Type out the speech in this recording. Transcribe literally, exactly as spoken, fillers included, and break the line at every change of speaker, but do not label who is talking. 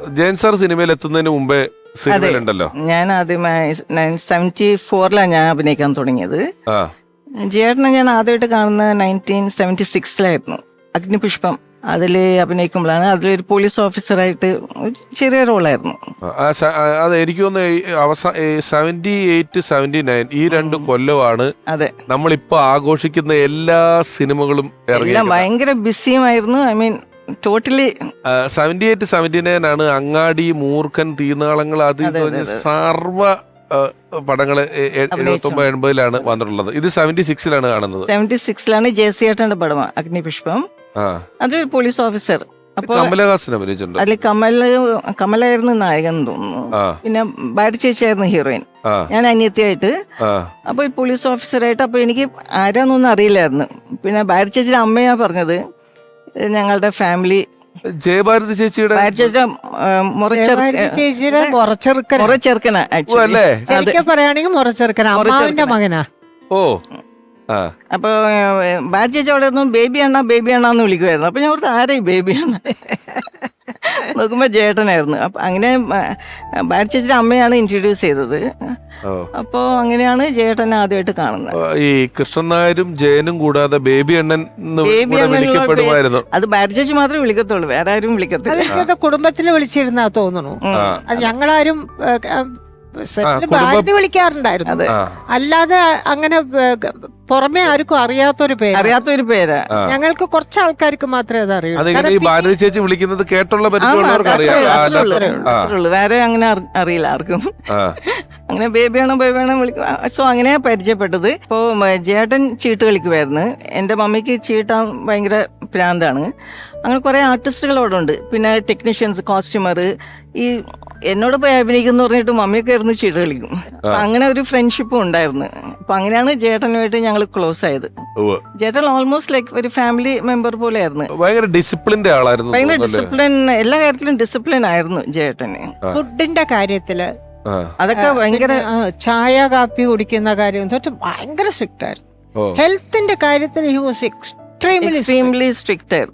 Jayan sir സിനിമയിൽ എത്തുന്നതിന് മുമ്പേ സിനിമയിലുണ്ടല്ലോ.
ഞാൻ ആദ്യമായി സെവൻറ്റി ഫോറിലാണ് ഞാൻ അഭിനയിക്കാൻ തുടങ്ങിയത്. ജയേട്ടനെ ഞാൻ ആദ്യമായിട്ട് കാണുന്നത് നയൻറ്റീൻ സെവൻറ്റി സിക്സിലായിരുന്നു. അഗ്നിപുഷ്പം അതിൽ അഭിനയിക്കുമ്പോഴാണ്. അതിലൊരു പോലീസ് ഓഫീസറായിട്ട് ഒരു ചെറിയ റോളായിരുന്നു.
അത് എനിക്ക് തോന്നുന്നു അവസാന സെവന്റി എയ്റ്റ് സെവന്റി നയൻ ഈ രണ്ട് കൊല്ലമാണ്
അതെ
നമ്മളിപ്പോ ആഘോഷിക്കുന്ന എല്ലാ സിനിമകളും
എല്ലാം ഭയങ്കര ബിസിയുമായിരുന്നു. I mean totally
seventy eight seventy nine ആണ് അങ്ങാടി, മൂർഖൻ, തീനാളങ്ങൾ, അത് സർവ പടങ്ങള് എഴുപത്തി ഒമ്പത് എൺപതിലാണ് വന്നിട്ടുള്ളത്. ഇത് സെവന്റി സിക്സിലാണ് കാണുന്നത്.
സെവന്റി സിക്സിലാണ് ജയസിയേട്ടന്റെ പടം അഗ്നിപുഷ്പം. അതൊരു പോലീസ് ഓഫീസർ. അപ്പൊ
കമലഹാസൻ അഭിനയിച്ചിട്ടുണ്ട്.
അതിൽ കമല കമലായിരുന്നു നായകൻ തോന്നുന്നു. പിന്നെ ഭാര്യ ചേച്ചിയായിരുന്നു ഹീറോയിൻ, ഞാൻ അനിയത്തിയായിട്ട്. അപ്പൊ ഈ പോലീസ് ഓഫീസറായിട്ട് അപ്പൊ എനിക്ക് ആരാന്നൊന്നും അറിയില്ലായിരുന്നു. പിന്നെ ഭാര്യ ചേച്ചിയുടെ അമ്മയാ പറഞ്ഞത് ഞങ്ങളുടെ ഫാമിലി
ജയഭാരതി ചേച്ചിയുടെ
മുറച്ചെറുക്കനാ
പറയുകയാണെങ്കിൽ മുറച്ചെറുക്കനാ, അമ്മാവിന്റെ മകനാ.
ഓ
അപ്പൊ ഭാര്യ ചേച്ചി അവിടെ ഒന്നും ബേബി അണ്ണ ബേബി അണ്ണാന്ന് വിളിക്കുമായിരുന്നു. അപ്പൊ ഞാൻ ഓർത്ത് ആരായി ബേബി അണ്ണ നോക്കുമ്പോ ജേട്ടനായിരുന്നു. അപ്പൊ അങ്ങനെ ഭാര്യ ചേച്ചിയുടെ അമ്മയാണ് ഇൻട്രൊഡ്യൂസ് ചെയ്തത്. അപ്പോ അങ്ങനെയാണ് ജേട്ടനെ ആദ്യമായിട്ട് കാണുന്നത്.
ഈ കൃഷ്ണൻ നായരും ജയനും കൂടാതെ ബേബി അണ്ണൻ വിളിക്കപ്പെടുമായിരുന്നു.
അത് ഭാര്യ ചേച്ചി മാത്രമേ വിളിക്കത്തുള്ളൂ, വേറെ ആരും വിളിക്കത്തില്ല.
കുടുംബത്തില് വിളിച്ചിരുന്നാ തോന്നുന്നു. അത് ഞങ്ങളാരും ഭാരതി വിളിക്കാറുണ്ടായിരുന്നു, അല്ലാതെ അങ്ങനെ പുറമെ ആർക്കും അറിയാത്തൊരു പേര്
അറിയാത്തൊരു പേര്
ഞങ്ങൾക്ക് കുറച്ച് ആൾക്കാർക്ക് മാത്രമേ അത് അറിയൂ.
ഭാരതി ചേച്ചി വിളിക്കുന്നത് കേട്ടുള്ള
വേറെ അങ്ങനെ അറിയില്ല ആർക്കും. അങ്ങനെ ബേബിയാണോ ബേബിയാണോ വിളിക്കും. സോ അങ്ങനെ പരിചയപ്പെട്ടത്. ഇപ്പോ ജേട്ടൻ ചീട്ട് കളിക്കുമായിരുന്നു. എൻ്റെ മമ്മിക്ക് ചീട്ടാൻ ഭയങ്കര പ്രാന്താണ്. അങ്ങനെ കുറെ ആർട്ടിസ്റ്റുകൾ അവിടെ ഉണ്ട്. പിന്നെ ടെക്നീഷ്യൻസ്, കോസ്റ്റ്യൂമർ. ഈ എന്നോട് പോയി അഭിനയിക്കുന്നു പറഞ്ഞിട്ട് മമ്മിയൊക്കെ ആയിരുന്നു ചീട്ട് കളിക്കും. അങ്ങനെ ഒരു ഫ്രണ്ട്ഷിപ്പും ഉണ്ടായിരുന്നു. അപ്പൊ അങ്ങനെയാണ് ജേട്ടനുമായിട്ട് ഞങ്ങൾ ക്ലോസ് ആയത്. ജേട്ടൻ ഓൾമോസ്റ്റ് ലൈക്ക് ഒരു ഫാമിലി മെമ്പർ പോലെ ആയിരുന്നു.
ഭയങ്കര ഡിസിപ്ലിൻഡ് ആളായിരുന്നു.
ഭയങ്കര ഡിസിപ്ലിൻ, എല്ലാ കാര്യത്തിലും ഡിസിപ്ലിൻ ആയിരുന്നു ജേട്ടന്.
ഫുഡിന്റെ കാര്യത്തില്
അതൊക്കെ ഭയങ്കര,
ചായ കാപ്പി കുടിക്കുന്ന കാര്യം തൊട്ട് ഭയങ്കര സ്ട്രിക്റ്റ് ആയിരുന്നു. ഹെൽത്തിന്റെ കാര്യത്തിൽ he was extremely
extremely strict ആയിരുന്നു.